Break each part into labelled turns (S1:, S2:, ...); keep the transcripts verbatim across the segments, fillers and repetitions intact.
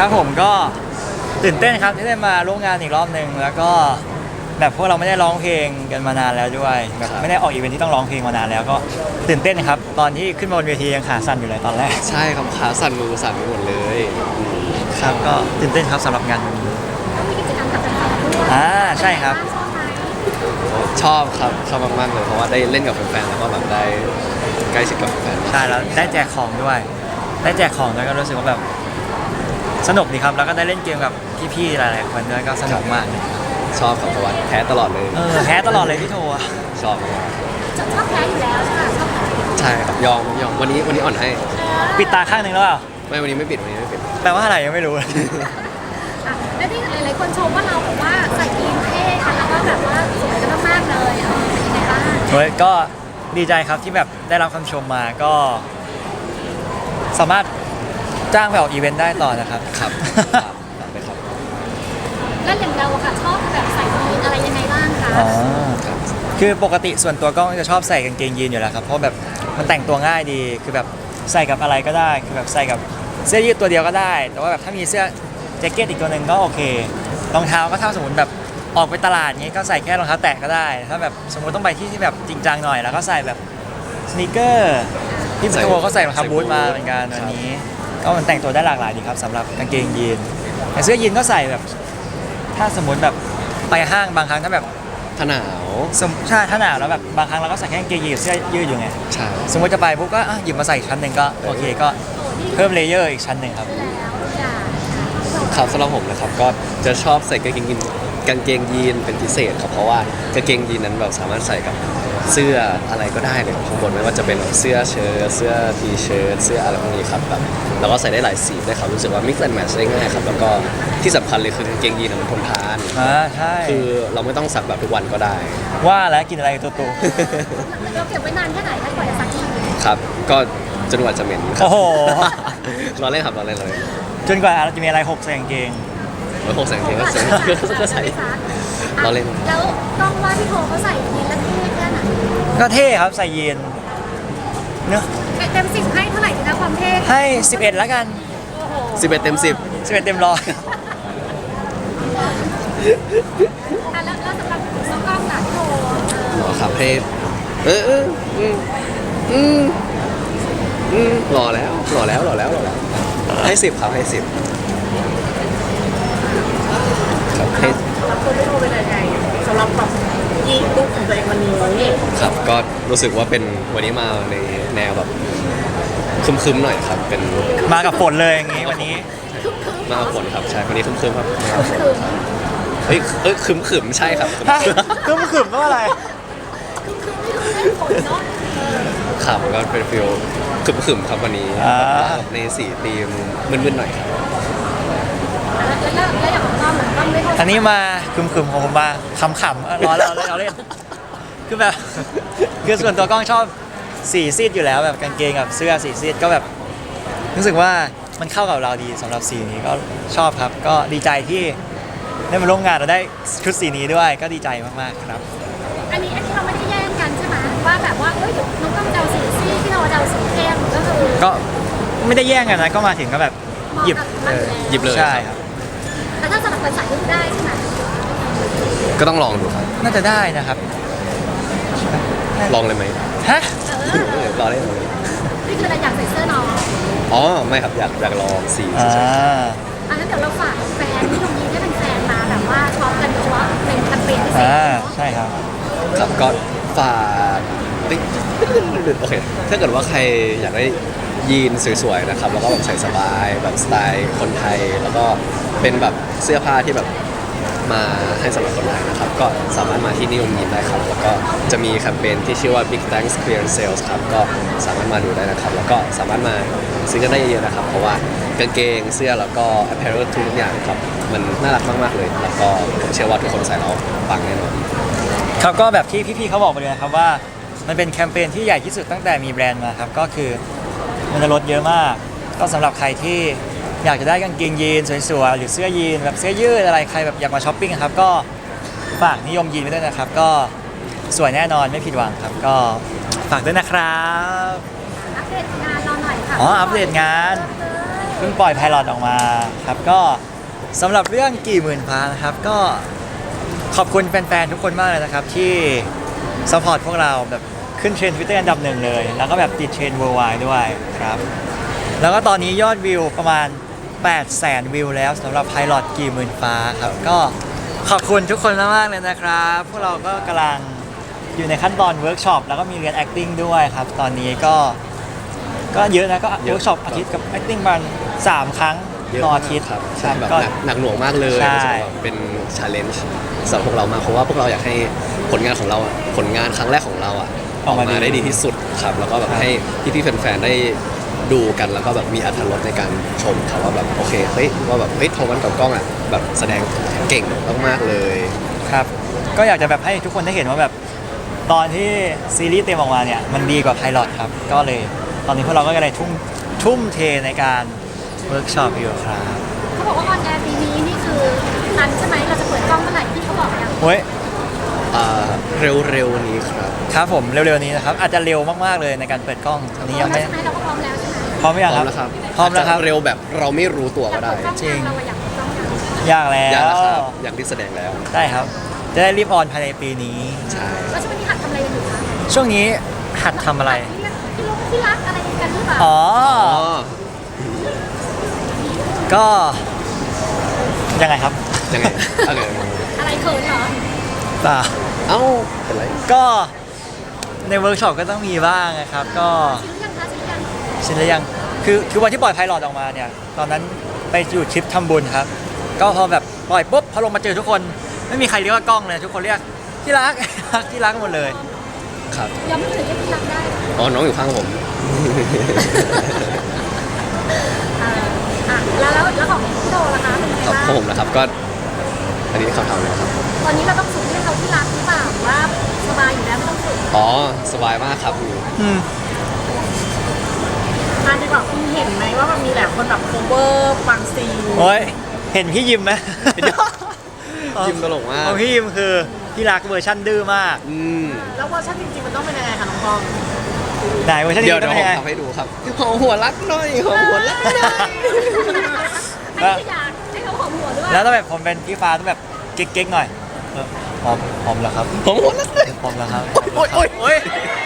S1: ครับผมก็ตื่นเต้นครับที่ได้มาร่วมงานอีกรอบหนึ่งแล้วก็แบบพวกเราไม่ได้ร้องเพลงกันมานานแล้วด้วยแบบไม่ได้ออกอีเวนท์ที่ต้องร้องเพลงมานานแล้วก็ตื่นเต้นครับตอนที่ขึ้นมาบนเวทียังขาสั่นอยู่เลยตอนแรก
S2: ใช่ครับขาสั่นมือสั่นไปหมดเลย
S1: ครับก็ตื่นเต้นครับสำหรับงานวันนี้
S3: ก็มีกิจกรรมกับแฟนๆด้วย
S1: อ่าใช่ครับ
S3: ชอบไหม
S2: ชอบครับชอบมากๆเลยเพราะว่าได้เล่นกับแฟนๆแล้วก็แบบได้ใกล้ชิดกับแฟน
S1: ใช่แล้วได้แจกของด้วยได้แจกของแล้วก็รู้สึกว่าแบบสนุกดีครับแล้วก็ได้เล่นเกมกับพี่ๆหลายๆคนด้วยก็สนุกมากเลย
S2: ชอบครับเพราะว่าแพ้ตลอดเลย
S1: เออแพ้ตลอดเลยพี่โทอะ
S2: ชอบมาก
S3: ชอบแพ้อยู่แล้วใช่ไหมชอบแพ้
S2: ใช่ครับยอมยอมวันนี้วันนี้อ่อนให้
S1: ปิดตาข้างหนึ่งแล้วเปล่า
S2: ไม่วันนี้ไม่ปิดวันนี้ไม่ปิด
S1: แปลว่าอะไรยังไม่รู้
S3: อ่ะแล้วที่หลายๆคนชมว่าเราแบบว่าใส่ยีนเท่กันแล้วก็แบบว่าสวยกันมากๆเลยเออเป็นยังไงบ้าง
S1: เฮ้ยก็ดีใจครับที่แบบได้รับคำชมมาก็ สามารถจ้างไปออกอีเวนต์ได้ต่อนะครับ
S2: ครับไปครับ
S3: แล้วอย่างเราอะค่ะชอบแบบใส่ยีนอะไรยังไงบ้างคะ
S1: อ๋อคือปกติส่วนตัวก็จะชอบใส่กางเกงยีนอยู่แล้วครับเพราะแบบมันแต่งตัวง่ายดีคือแบบใส่กับอะไรก็ได้คือแบบใส่กับเสื้อยืดตัวเดียวก็ได้แต่ว่าแบบถ้ามีเสื้อแจ็คเก็ตอีกตัวหนึ่งก็โอเครองเท้าก็ถ้าสมมติแบบออกไปตลาดงี้ก็ใส่แค่รองเท้าแตะก็ได้ถ้าแบบสมมติต้องไปที่ที่แบบจริงจังหน่อยแล้วก็ใส่แบบสนีกเกอร์ที่พี่โทก็ใส่รองเท้าบูทมาเหมือนกันวันนี้ก็มันแต่งตัวได้หลากหลายดีครับสำหรับกางเกงยีนแต่เสื้อยีนก็ใส่แบบถ้าสมมติแบบไปห้างบางครั้งถ้าแบบ
S2: ถ้าหนาว
S1: สมใช่ถ้าหนาวแล้วแบบบางครั้งเราก็ใส่แค่กางเกงยีนกับเสื้อยืดอยู่ไง
S2: ใช่
S1: สมมติจะไปปุ๊บก็หยิบมาใส่ชั้นหนึ่งก็โอเคก็เพิ่มเลเยอร์อีกชั้นหนึ่งครับ
S2: ครับสำหรับผมนะครับก็จะชอบใส่กางเกงยีนกางเกงยีนเป็นพิเศษครับเพราะว่ากางเกงยีนนั้นแบบสามารถใส่กับเสื้ออะไรก็ได้เลยข้างบนไม่ว่าจะเป็นเสื้อเชิ้ตเสื้อทีเชิ้ตเสื้ออะไรพวกนี้ครับแบบแล้วก็ใส่ได้หลายสีได้ครับรู้สึกว่า mix and match ได้ง่ายครับแล้วก็ที่สำคัญเลยคือกางเกงยีนมันทนทาน
S1: อ่าใช่
S2: คือเราไม่ต้องซักแบบทุกวันก็ได้
S1: ว่าแล้วกินอะไรตัวโต
S3: เราเก็บไว้นานแค่ไหนคะกว่าจะซักที
S2: ครับก็จนกว่าจะเหม็น
S1: โอ้โห
S2: รอเล่นครับรอเล่นเลย
S1: จนกว่าเราจะมีอะไรหกใส่กางเกง
S2: ไว้หกใส่กางเกงก็ใส่ก็ใส่รอเล่น
S3: แล้วต้องว่าพี่โทเขาใส่ยีนแล้วเท่แค่ไหน
S1: ก็เท่ครับใส่ยีนเนอะ
S3: เต็มสิบให้เท่าไหร่นะความเท่
S1: ให้สิบเอ็ดแล้วกัน
S2: สิบเอ็ดเต็มสิบ
S1: สิบเอ็ดเต็มร้อย
S3: อ่ะแล้วแล้วสำหรับน้องกล้องล่ะพี่โท
S2: หรอครับให้เออเอออืมอืมอืมหล่อแล้วหล่อแล้วหล่อแล้วหล่อแล้วให้สิบครับให้สิบครับให้
S3: รับตัวพี่โทเป็นยังไงสำหรับแบบยีนลุคของตัวเองวันนี้
S2: ครับก็รู้สึกว่าเป็นวันนี้มาในแนวแบบคึมๆหน่อยครับเป็น
S1: มากับฝนเลยอย่างงี้วันนี้
S2: มากับฝนครับใช่วันนี้คึมๆครับเฮ้ยเอ้ยคึมๆใช่ครับ
S1: คึมคึมว่าอะไร
S2: ครับก็เป็นฟิลคึมๆครับวันนี้ในสีธีมมึนๆหน่อยครับ
S3: แล้วแล้วอย่างของต้อมเหมือนต้อมไม่
S1: อันนี้มาคึมคึมของผมมาขำๆรอแล้วเราเล่นคือแบบคือส่วนตัวกล้องชอบสีซีดอยู่แล้วแบบกางเกงกับเสื้อสีซีดก็แบบรู้สึกว่ามันเข้ากับเราดีสำหรับสีนี้ก็ชอบครับก็ดีใจที่ได้มาร่วมงานเราได้ชุดสีนี้ด้วยก็ดีใจมากๆครับ
S3: อันนี้อันนี้เราไม่ได้แย่งกันใช่ไหมว่าแบบว่าเอ้ยน้องต้องเดาสีซีดพี่เราเดาสีเข้มก็คือ
S1: ก็ไม่ได้แย่งกันนะก็มาถึงก็แบบหยิบ
S2: หยิบเลย
S1: ใช่ครับ
S3: แต่ถ้าสำหรับคนใส่ก็ได้ใช่ไหม
S2: ก็ต้องลองดูครับ
S1: น่าจะได้นะครับ
S2: ลองเลยไหม
S1: ฮะ
S2: รอได้เลย
S3: นี่คืออะไรอยากใส่เสื้อน้อง
S2: อ๋อไม่ครับอยากอยากลองสี
S1: อ่า
S3: อันนั้นเดี๋ยวเราฝากแฟนที่ตรงนี้ให้เป็นแฟนมาแบบว่าช็อปกันเฉพาะเป็นแคมเปญพิเศษ
S1: ใช่ครับ
S2: ครับก็ฝากโอเคถ้าเกิดว่าใครอยากได้ยีนสวยๆนะครับแล้วก็แบบใส่สบายแบบสไตล์คนไทยแล้วก็เป็นแบบเสื้อผ้าที่แบบมาให้สำหรับคนไทยนะครับก็สามารถมาที่นิยมยีนได้ครับแล้วก็จะมีแคมเปญที่ชื่อว่า Big Thanks Clearance Sales ครับก็สามารถมาดูได้นะครับแล้วก็สามารถมาซื้อกันได้เยอะๆนะครับเพราะว่ากางเกงเสื้อแล้วก็ apparel ทุกอย่างครับมันน่ารักมากๆเลยแล้วก็ผมเชื่อว่าทุกคนใส่แล้วปังแน่นอน
S1: ครับก็แบบที่พี่ๆเขาบอกไปเลยนะครับว่ามันเป็นแคมเปญที่ใหญ่ที่สุดตั้งแต่มีแบรนด์มาครับก็คือมันจะลดเยอะมากก็สำหรับใครที่อยากจะได้กางเกงยีนสวยๆหรือเสื้อยีนแบบเสื้อยืดอะไรใครแบบอยากมาช้อปปิ้งครับก็ฝากนิยมยีนไว้ด้วยนะครับก็สวยแน่นอนไม่ผิดหวังครับก็ฝากด้วยนะครับ
S3: อัปเดตงานเราหน่อยค่ะ
S1: อ๋ออัปเดตงานพิ่งปล่อยไพลอตออกมาครับก็สำหรับเรื่องกี่หมื่นฟ้านะครับก็ขอบคุณแฟนๆทุกคนมากเลยนะครับที่ซัพพอร์ตพวกเราแบบขึ้นเทรนด์ทวิตเตอร์อันดับหนึ่งเลย แล้วก็แบบติดเทรนด์ worldwide ด้วยครับแล้วก็ตอนนี้ยอดวิวประมาณแปดแสนวิวแล้วสำหรับไพลอตกี่หมื่นฟ้าครับก็ขอบคุณทุกคนมากๆเลยนะครับพวกเราก็กำลังอยู่ในขั้นตอนเวิร์กช็อปแล้วก็มีเรียน acting ด้วยครับตอนนี้ก็ก็เยอะนะก็
S2: เยอะ
S1: เวิร์กช็อปอาทิตย์กับ acting ประมาณสามครั้ง
S2: เยอะ
S1: ต่อ
S2: มาก
S1: อาทิตย์
S2: ครับ
S1: ค
S2: ใช่
S1: รับ
S2: แบบ
S1: ก็
S2: หนักหนักหน่วงมากเลย
S1: ใช่
S2: รู้สึกว่าเป็นชาเลนจ์สำหรับพวกเรามากเพราะว่าพวกเราอยากให้ผลงานของเราอะผลงานครั้งแรกของเราอ่ะออกมาได้ดีที่สุดครับแล้วก็แบบให้พี่ๆแฟนๆได้ดูกันแล้วก็แบบมีอรรถรสในการชมครับว่าแบบโอเคเฮ้ยว่าแบบเฮ้ยโทมันกับกล้องอ่ะแบบแสดงเก่งมากๆเลย
S1: ครับก็อยากจะแบบให้ทุกคนได้เห็นว่าแบบตอนที่ซีรีส์เต็มออกมาเนี่ยมันดีกว่าไพลอตครับก็เลยตอนนี้พวกเราก็เลยทุ่มทุ่มเทในการเวิร์กช็อปอยู่ครับ
S3: เขาบอกว่าออนแอร์ปีนี้นี่คือทันใช่ไหมเราจะเปิดกล้องเมื่อไหร่ที่เขาบอกยัง
S1: เฮ้ย
S2: อ่าเร็วๆนี้ครับ
S1: ครับผมเร็วๆนี้นะครับอาจจะเร็วมากๆเลยในการเปิดกล้องอันนี้ยังไม่
S3: ใช่ไหมเราก็พร้อมแล้วใช่ไหม
S1: พร้อมหรือ
S2: พ
S1: ยัง
S2: ร้อ
S1: ค
S2: ม
S1: รับ
S2: แล้วครับ
S1: พร้อมแล้วครับ
S2: าจจะเร็วแบบเราไม่รู้ตัว
S3: อยา
S2: ก็
S3: ก
S2: ได้
S3: เปิดกล้อง
S1: จริง
S3: ยังเราอะอยากเปิดกล้องยัง
S1: ยากแล้
S2: อยากแล้ว
S1: ว
S2: ครับอยากที่แสดงแล้ว
S1: ได้ครับ จะได้รีบออนภายในปีนี้
S2: ใช่
S3: แล้วช่วงนี้หัดทำอะไรกันอยู่คะ
S1: ช่วงนี้หัดทำอะไร
S3: ที่เรียกที่ลูกที่รักอะไรกันหรือเปล่า
S1: อ๋อ
S2: อ๋อ
S1: ก็ยังไงครับ
S2: ยังไงโอเค
S3: อะไรเขินเหรอ
S1: เปล่า
S2: เอ้าเป็นไร
S1: ก็ในเวิร์กช็อปก็ต้องมีบ้างนะครับ ก็
S3: ชิลหรือยังคะชิลหรือยัง
S1: ชินหรือยังคือคือวันที่ปล่อยไพลอตออกมาเนี่ย ตอนนั้นไปอยู่ทริปทำบุญครับ ก็พอแบบปล่อยปุ๊บพอลงมาเจอทุกคน ไม่มีใครเรียกว่ากล้องเลย ทุกคนเรียกที่รัก ที่รักหมดเลย
S2: ครับ
S3: ยังไม่ถึงจะที่รักได้
S2: อ๋อน้องอยู่ข้างผม
S3: อ่าอ่ะแล้วแล้วแล้วของพี่โดล่ะคะเป็นยังไง
S2: ครับ
S3: บ้าง
S2: ของผมนะครับก็ อันนี้เขาทำเลยครับ
S3: ตอนนี้เราต้องฝึกเรียกเขาที่รักหรือเปล่าหรือว่าสบายอยู่แล้วไม่ต้องฝึก
S2: อ๋อสบายมากครับ
S1: อืม
S4: อันดีกว่าคุณเห็นไหมว่ามันมีหลายคนแบบ cover บางซีน
S1: โอ้ยเห็นพี่ยิมไหม
S2: ยิมตลกมาก
S1: ของพี่ยิมคือพี่รักเวอร์ชันดื้อมาก
S2: อืม
S4: แล้วเวอร์ชันจริงๆ มันต้องเป็นยังไงคะน้องปอง
S1: ไหนเวอร์ชัน
S2: เดี๋
S1: นี้
S2: ยวเดี๋
S1: ต้
S2: ย
S1: อ
S2: ว
S1: ง
S2: ผ
S1: ยังไง
S2: มทำให้ดูครับหอมหัวรักหน่อยหอมหัวรักหน่อย
S3: อันนี้คืออยากให้เขาหอมหัวด้วย
S1: แล้วต้องแบบผมเป็นพี่ฟ้าต้องแบบเก๊กๆหน่อยเออหอมหอมเหรอครับ
S2: หอมหัวรักหน่อย
S1: หอมเหรอครับ
S2: โอ๊ยโอ๊ย
S1: โอ๊ย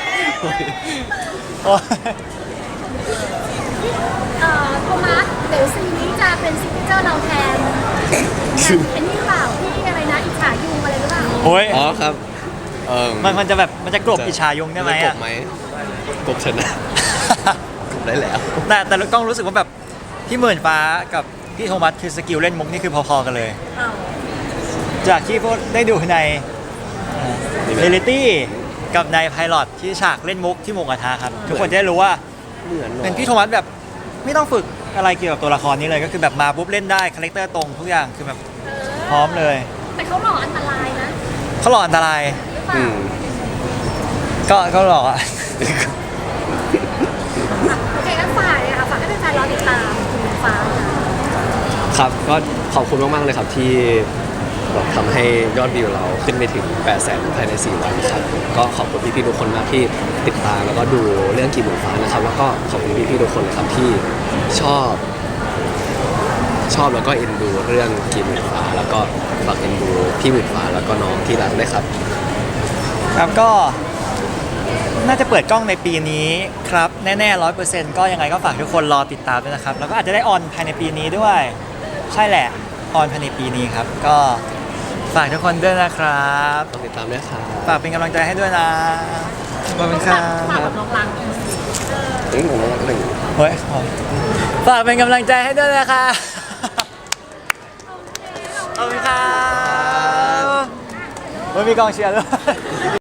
S1: โอ๊ย
S3: เอ่อโทมัสเดี๋ยวซีนนี้จะเป็นซิกเนเจอร์เราแทนแบบเป็นนี่หรือเปล่าที่อะไรนะอิจฉายุงอะไรหรือเปล่า
S1: โอ๊ย
S2: อ๋อครับเออ
S1: มันมันจะแบบมันจะกลบอิชายุงได้ไหม
S2: จะก
S1: อ่ะ
S2: บไหมกบชนะกบได้แล้ว
S1: แต่แต่กล้องรู้สึกว่าแบบพี่หมื่นฟ้ากับพี่โทมัสคือสกิลเล่นมุกนี่คือพอๆกันเลย
S4: อ้าว
S1: จากที่พวกได้ดูในเรลิตี้กับในไพลอตที่ฉากเล่นมุกที่หมูกระทะครับ ทุกคนจะได้รู้ว่า
S2: เหมือนหรอ
S1: เป็นพี่โทมัสแบบไม่ต้องฝึกอะไรเกี่ยวกับตัวละครนี้เลยก็คือแบบมาปุ๊บเล่นได้คาแรคเตอร์ตรงทุกอย่างคือแบบ
S3: เออ
S1: พร้อมเลย
S3: แต่เขาหล่ออันตรายนะ
S1: เขาหล่ออันตราย
S3: หรือเป
S2: อื
S3: ล่าม
S1: ก็ก็หล่ออะ
S3: โอเคงั้นฝากเลยค่ะฝากให้แฟนๆรอติดตามคุณฟ้าค่ะ
S2: ครับก็ขอบคุณมากๆเลยครับที่แบบทำให้ยอดวิวเราขึ้นไปถึงแปดแสนภายในสี่วันครับก็ขอบคุณพี่ๆทุกคนมากที่ติดตามแล้วก็ดูเรื่องกี่หมื่นฟ้านะครับ แล้วก็ขอบคุณพี่ๆทุกคนเลยครับที่ชอบ ชอบแล้วก็เอ็นดูเรื่องกี่หมื่นฟ้า แล้วก็ฝากเอ็นดูพี่หมื่นฟ้าแล้วก็น้องที่รักด้วยครับ
S1: ครับก็น่าจะเปิดกล้องในปีนี้ครับแน่ๆร้อยเปอร์เซ็นต์ก็ยังไงก็ฝากทุกคนรอติดตามด้วยนะครับ แล้วก็อาจจะได้ออนภายในปีนี้ด้วย ใช่แหละออนภายในปีนี้ครับ ก็ฝากทุกคนด้วยนะครับ
S2: ต้องติดตามด้วยครับ
S1: ฝากเป็นกำลังใจให้ด้วยนะขอบคุณครั
S4: ฝาก
S1: บ
S4: แบบน้องรัง
S2: อืมผมรักหนึ่ง
S1: เฮ้ยฝากเป็นกำลังใจให้ด้วยนะคะขอบคุณครับเฮ้ยมีกองเชียร์ด้วย